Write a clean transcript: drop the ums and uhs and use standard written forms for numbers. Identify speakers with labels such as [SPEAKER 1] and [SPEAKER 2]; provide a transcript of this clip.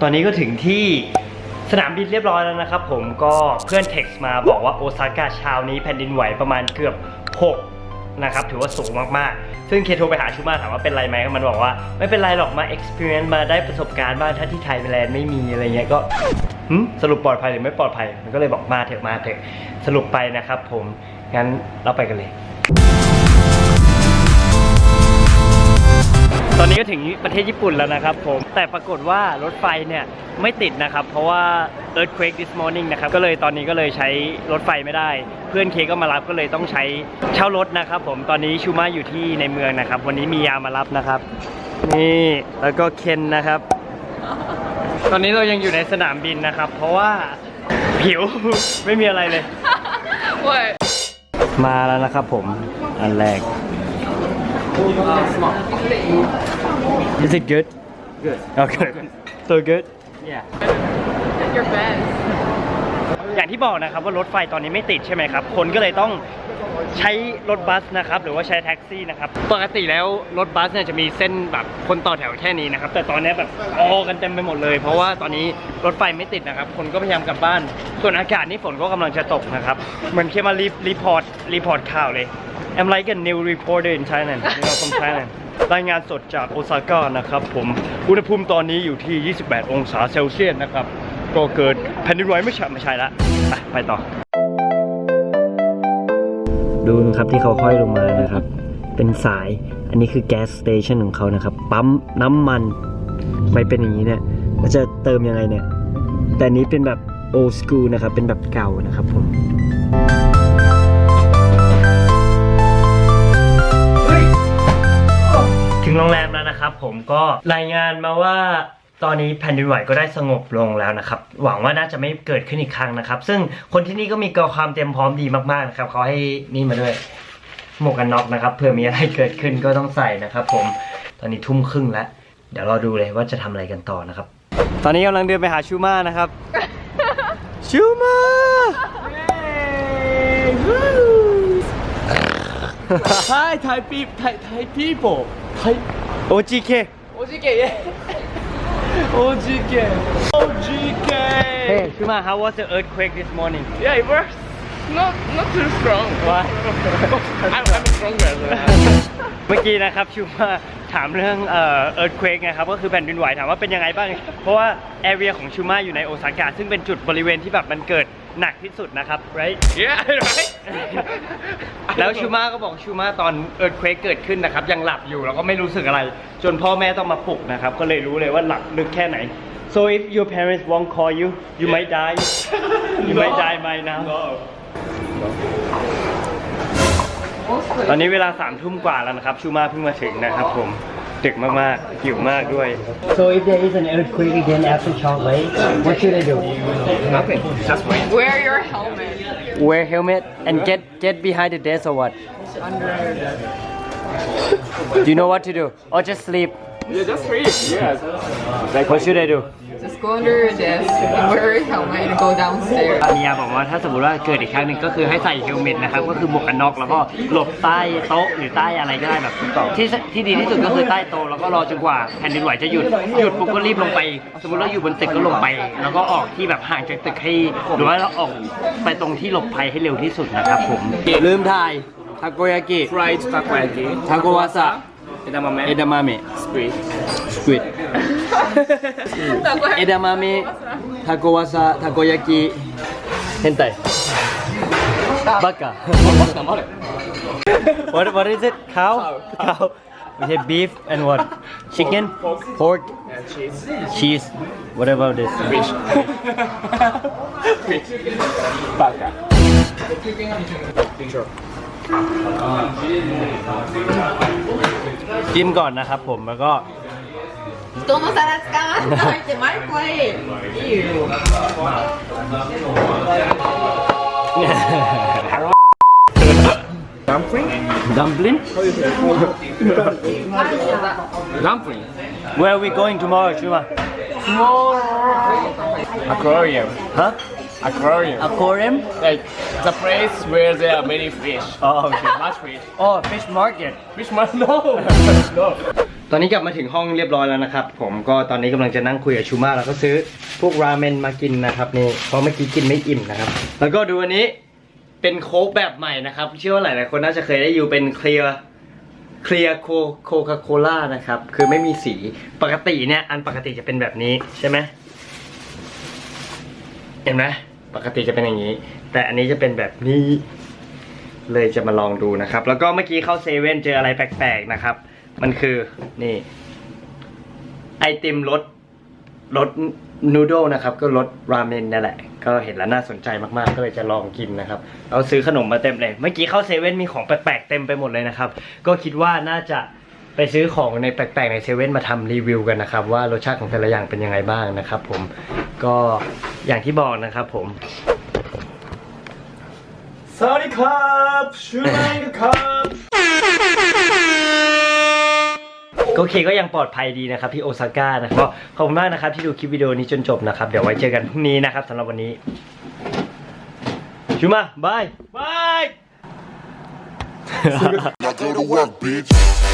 [SPEAKER 1] ตอนนี้ก็ถึงที่สนามบินเรียบร้อยแล้วนะครับผมก็เพื่อนเท็กซ์มาบอกว่าโอซาก้าเช้านี้แผ่นดินไหวประมาณเกือบ6นะครับถือว่าสูงมากๆซึ่งเคโทรไปหาชูมาถามว่าเป็นไรไหมมันบอกว่าไม่เป็นไรหรอกมา experience มาได้ประสบการณ์บ้างถ้าที่ไทยแลนด์ไม่มีอะไรเงี้ยก็สรุปปลอดภัยหรือไม่ปลอดภัยมันก็เลยบอกมาเถอะสรุปไปนะครับผมงั้นเราไปกันเลยตอนนี้ก็ถึงประเทศญี่ปุ่นแล้วนะครับผมแต่ปรากฏว่ารถไฟเนี่ยไม่ติดนะครับเพราะว่า earthquake this morning นะครับก็เลยตอนนี้ก็เลยใช้รถไฟไม่ได้เพื่อนเคก็มารับก็เลยต้องใช้เช่ารถนะครับผมตอนนี้ชูมาอยู่ที่ในเมืองนะครับวันนี้มียามารับนะครับนี่แล้วก็เคนนะครับตอนนี้เรายังอยู่ในสนามบินนะครับเพราะว่าผิว ไม่มีอะไรเลยมาแล้วนะครับผมอันแรกIs it good? Good. Okay. So good? Yeah.
[SPEAKER 2] Your best.
[SPEAKER 1] อย่างที่บอกนะครับว่ารถไฟตอนนี้ไม่ติดใช่ไหมครับคนก็เลยต้องใช้รถบัสนะครับหรือว่าใช้แท็กซี่นะครับปกติแล้วรถบัสเนี่ยจะมีเส้นแบบคนต่อแถวแค่นี้นะครับแต่ตอนนี้แบบกันเต็มไปหมดเลยเพราะว่าตอนนี้รถไฟไม่ติดนะครับคนก็พยายามกลับบ้านส่วนอากาศนี่ฝนก็กำลังจะตกนะครับเหมือนเคมารีพอร์ตข่าวเลย I'm like a new reporter in Thailand from Thailand รายงานสดจากโอซาก้านะครับผมอุณหภูมิตอนนี้อยู่ที่28องศาเซลเซียสนะครับก็เกิดแผ่นดินไหวไม่ใช่ละไปต่อดูนะครับที่เขาห้อยลงมานะครับเป็นสายอันนี้คือแก๊สสเตชันของเขานะครับปั๊มน้ำมันไม่เป็นอย่างนี้เนี่ยเราจะเติมยังไงเนี่ยแต่นี้เป็นแบบโอสกูลนะครับเป็นแบบเก่านะครับผมถึงโรงแรมแล้วนะครับผมก็รายงานมาว่าตอนนี้แผ่นดินไหวก็ได้สงบลงแล้วนะครับหวังว่าน่าจะไม่เกิดขึ้นอีกครั้งนะครับซึ่งคนที่นี่ก็มีความเตรียมพร้อมดีมากๆนะครับเขาให้นี่มาด้วยหมวกกันน็อกนะครับเผื่อมีอะไรเกิดขึ้นก็ต้องใส่นะครับผมตอนนี้ทุ่มครึ่งแล้วเดี๋ยวรอดูเลยว่าจะทำอะไรกันต่อนะครับตอนนี้กำลังเดินไปหาชูมานะครับชูมา
[SPEAKER 3] Hi Thai people Thai
[SPEAKER 1] OGK
[SPEAKER 3] OGK yeah OGK OGK
[SPEAKER 1] Hey Shuma how was the earthquake this morning
[SPEAKER 3] Yeah it was not too strong
[SPEAKER 1] Why
[SPEAKER 3] I'm stronger
[SPEAKER 1] เมื่อกี้นะครับชูมาถามเรื่องearthquake ไงครับก็คือแผ่นดินไหวถามว่าเป็นยังไงบ้างเพราะว่า area ของชูมาอยู่ในโอซาก้าซึ่งเป็นจุดบริเวณที่แบบมันเกิดหนักที่สุดนะครับ right
[SPEAKER 3] Yeah right
[SPEAKER 1] แล้วชูมาก็บอกชูมาตอน earthquake เกิดขึ้นนะครับยังหลับอยู่แล้วก็ไม่รู้สึกอะไรจนพ่อแม่ต้องมาปลุกนะครับก็เลยรู้เลยว่าหลับลึกแค่ไหน so if your parents won't call you you might die you might die by now ตอนนี้เวลา3 ทุ่มกว่าแล้วนะครับชูมาเพิ่งมาถึงนะครับผมดึกมากๆหิวมากด้วย So if there is an earthquake again after Chong Wei what should I do
[SPEAKER 3] Nothing just wait
[SPEAKER 2] Wear your helmet.
[SPEAKER 1] Wear helmet and get behind the desk or what Do you know what to do or just sleep
[SPEAKER 3] Yeah just sleep Yes
[SPEAKER 1] Like what should I do
[SPEAKER 2] Just go under your desk and wear your helmet and go downstairs.
[SPEAKER 1] มียาบอกว่าถ้าสมมติว่าเกิดอีกครั้งหนึ่งก็คือให้ใส่เฮลเมตนะครับก็คือหมวกกันน็อกแล้วก็หลบใต้โต๊ะหรือใต้อะไรก็ได้แบบที่ดีที่สุดก็คือใต้โต๊ะแล้วก็รอจนกว่าแผ่นดินไหวจะหยุดปุ๊บก็รีบลงไปสมมติเราอยู่บนตึกก็ลงไปแล้วก็ออกที่แบบห่างจากตึกให้หรือว่าเราออกไปตรงที่หลบภัยให้เร็วที่สุดนะครับผมลืมถ่ายทาโกยากิ
[SPEAKER 3] Fried takoyaki
[SPEAKER 1] ทาโกวาซะ
[SPEAKER 3] Edamame
[SPEAKER 1] เอดามะเมะ
[SPEAKER 3] Squid
[SPEAKER 1] สควิดเอดามะเมะทาโกวาซะทาโกยากิเฮนไตバカ What is it? Cow? Cow. We say beef and what? Chicken? Pork?
[SPEAKER 3] and cheese
[SPEAKER 1] Cheese? What about this?
[SPEAKER 3] Fish Fish Baka Sure
[SPEAKER 1] จิ้มก่อนนะครับผมแล้วก็
[SPEAKER 2] 人の皿使わないでマイクへ。いいよ。
[SPEAKER 3] Dumpling
[SPEAKER 1] Dumpling?
[SPEAKER 3] Dumpling
[SPEAKER 1] Where are we going tomorrow, Shuma?
[SPEAKER 3] Aquarium
[SPEAKER 1] Huh?
[SPEAKER 3] Aquarium
[SPEAKER 1] Aquarium?
[SPEAKER 3] Like the place where there are many fish
[SPEAKER 1] Oh, okay.
[SPEAKER 3] Much fish
[SPEAKER 1] Oh, fish market.
[SPEAKER 3] Fish must no No
[SPEAKER 1] ตอนนี้กลับมาถึงห้องเรียบร้อยแล้วนะครับผมก็ตอนนี้กำลังจะนั่งคุยกับชูมาแล้วก็ซื้อพวกราเมนมากินนะครับนี่เพราะเมื่อกี้กินไม่อิ่มนะครับแล้วก็ดูอันนี้เป็นโค้กแบบใหม่นะครับเชื่อว่าหลายๆคนน่าจะเคยได้อยู่เป็นเคลียร์โคคาโคล่านะครับคือไม่มีสีปกติเนี่ยอันปกติจะเป็นแบบนี้ใช่ไหมเห็นไหมปกติจะเป็นอย่างนี้แต่อันนี้จะเป็นแบบนี้เลยจะมาลองดูนะครับแล้วก็เมื่อกี้เข้าเซเว่นเจออะไรแปลกๆนะครับมันคือนี่ไอติมรสนูโดลนะครับก็รสราเมนนั่นแหละก็เห็นแล้วน่าสนใจมากๆก็เลยจะลองกินนะครับเราซื้อขนมมาเต็มเลยเมื่อกี้เข้าเซเว่นมีของแปลกๆเต็มไปหมดเลยนะครับก็คิดว่าน่าจะไปซื้อของในแปลกๆในเซเว่นมาทำรีวิวกันนะครับว่ารสชาติของแต่ละอย่างเป็นยังไงบ้างนะครับผมก็อย่างที่บอกนะครับผมสวัสดีครับชูมังครับโอเคก็ยังปลอดภัยดีนะครับที่โอซาก้านะครับก็ขอบคุณมากนะครับที่ดูคลิปวิดีโอนี้จนจบนะครับเดี๋ยวไว้เจอกันพรุ่งนี้นะครับสำหรับวันนี้ชูมาบาย
[SPEAKER 4] Now go to work, bitch.